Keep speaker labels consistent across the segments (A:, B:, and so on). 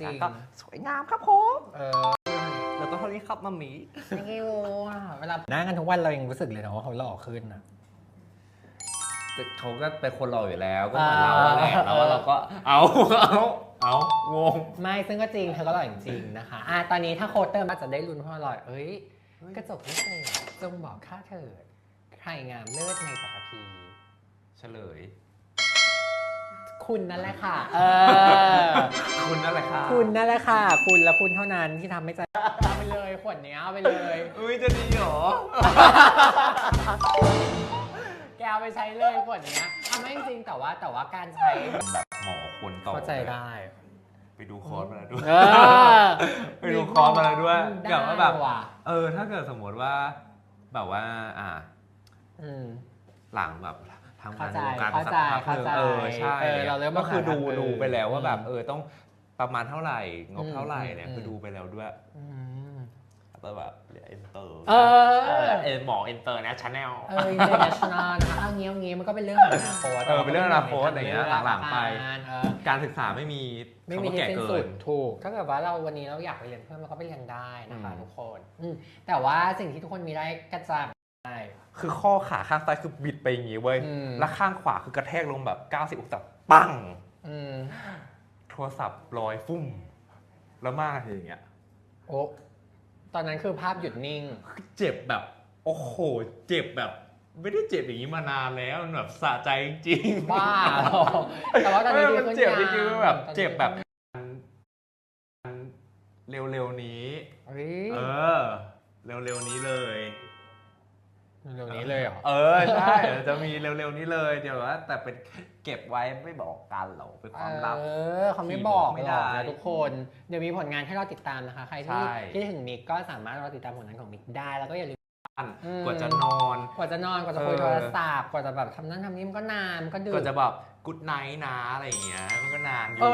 A: ก็สวยงามครับผม
B: แล้วก็เท่านี้ครับมัมมี่
C: thank you เวลาหน้ากันทุกวันเรายังรู้สึกเลยนะว่าเขาหล่อขึ้นนะ
B: เขาก็เป็นคนหล่ออยู่แล้วก็เหมือนเราแหละแล้วเราก็เอางง
C: ไม่ซึ่งก็จริงเธอก็หล่อจริงๆนะคะตอนนี้ถ้าโค้ดเติมอาจจะได้ลุ้นเพราะหล่อกระจกพิเศษจงบอกข้าเถิดใครงามเลิศในปัตภี
B: เฉลย
C: คุณนั่นแหละค่ะ
B: คุณนั่นแหละค่ะ
C: คุณนั่นแหละค่ะคุณและคุณเท่านั้นที่ทำให้ใจเอาไปเลยขวดนี้เอาไปเลย
B: จะดีเหรอ
C: แกเอาไปใช้เลยขวดนี้ไม่จริงแต่ว่าการใช้
B: แบบหมอคนต่อ
C: เข้าใจได้
B: ไปดูคอร์สมาแล้วด้วยไปดูคอร์สมาแล้วด้วยเกี่ยวกับแบบถ้าเกิดสมมติว่าแบบว่าหลังแบบทำงานในวงการสักพักนึงใช่ก็คือดูไปแล้วว่าแบบต้องประมาณเท่าไหร่งบเท่าไหร่เนี่ยคือดูไปแล้วด้วยแต่แบบเอ็นเตอร์หมอเอ็นเตอร์นะชาแนล
C: อินเตอร์เนชั่นแนลนะคะเอางี้มันก็เป็นเรื่องของอนาคต
B: เป็นเรื่องอนาคตอะไรเงี้ยหลังๆไปการศึกษาไม่มี
C: ที่สิ้นสุดถูกถ้าเกิดว่าเราวันนี้เราอยากไปเรียนเพิ่มเราก็ไปเรียนได้นะคะทุกคนแต่ว่าสิ่งที่ทุกคนมีได้กระจาย
B: คือข้อขาข้างซ้ายคือบิดไปอย่างงี้เว้ยแล้วข้างขวาคือกระแทกลงแบบ90องศาปังโทรศัพท์ลอยฟุ้มแล้วมากทีอย่างเงี้ย
C: โอ้ตอนนั้นคือภาพหยุดนิ่ง
B: เจ็บแบบโอ้โหเจ็บแบบไม่ได้เจ็บอย่างนี้มานานแล้วมันแบบสะใจจริง
C: บ้าแต่ว่าตอนนี้
B: มันเจ็บจริงๆแบบเจ็บแบบเร็วๆนี้เร็วๆนี้เลย
C: เร็วนี้เลยเหรอ
B: ใช่จะมีเร็วๆนี้เลยเดี๋ยวว่าแต่เป็นเก็บไว้ไม่บอกกันหรอกเป็นความลับ
C: เขาไม่บอกไม่ได้นะทุกคนเดี๋ยวมีผลงานให้เราติดตามนะคะใครที่คิดถึงมิกก็สามารถรอติดตามผลงานของมิกได้แล้วก็อย่าลืม
B: กว่าจะนอน
C: กว่าจะคุยโทรศัพท์กว่าจะแบบทำนั่นทำนี่มันก็นานมันก็ดึก
B: กว่าจะแบบกู๊ดไนท์นะอะไรอย่างเงี้ยมันก็นานอยู่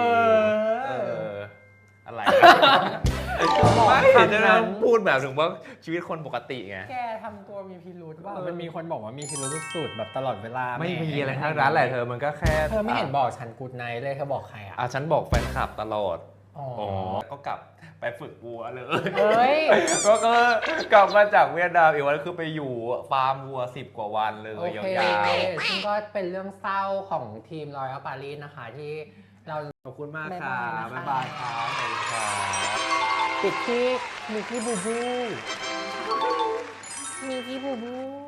B: อะไรไม่เห็นจะพูดแบบถึงว่าชีวิตคนปกติไง
C: แกทำตัวมีพิรุธว่ามันมีคนบอกว่ามีพิรุธสุดแบบตลอดเวลา
B: ไม่มีอะไรทั้งนั้นแหละเธอมันก็แค่
C: เธอไม่เห็นบอกฉันกู๊ดไนท์เลยเธอบอกใคร
B: ฉันบอกแฟนคลับตลอดก็กลับไปฝึกวัวเลยก็กลับมาจากเวียดนามอีกวันคือไปอยู่ฟาร์มวัว10 กว่าวันเลยยาว
C: ๆซึ่งก็เป็นเรื่องเศร้าของทีมรอยัลปารีสนะคะที่เรา
B: ขอบคุณมากค่ะบ๊ายบายครับสวัสดีครับ
C: ปิดที่มิกกี้บูบู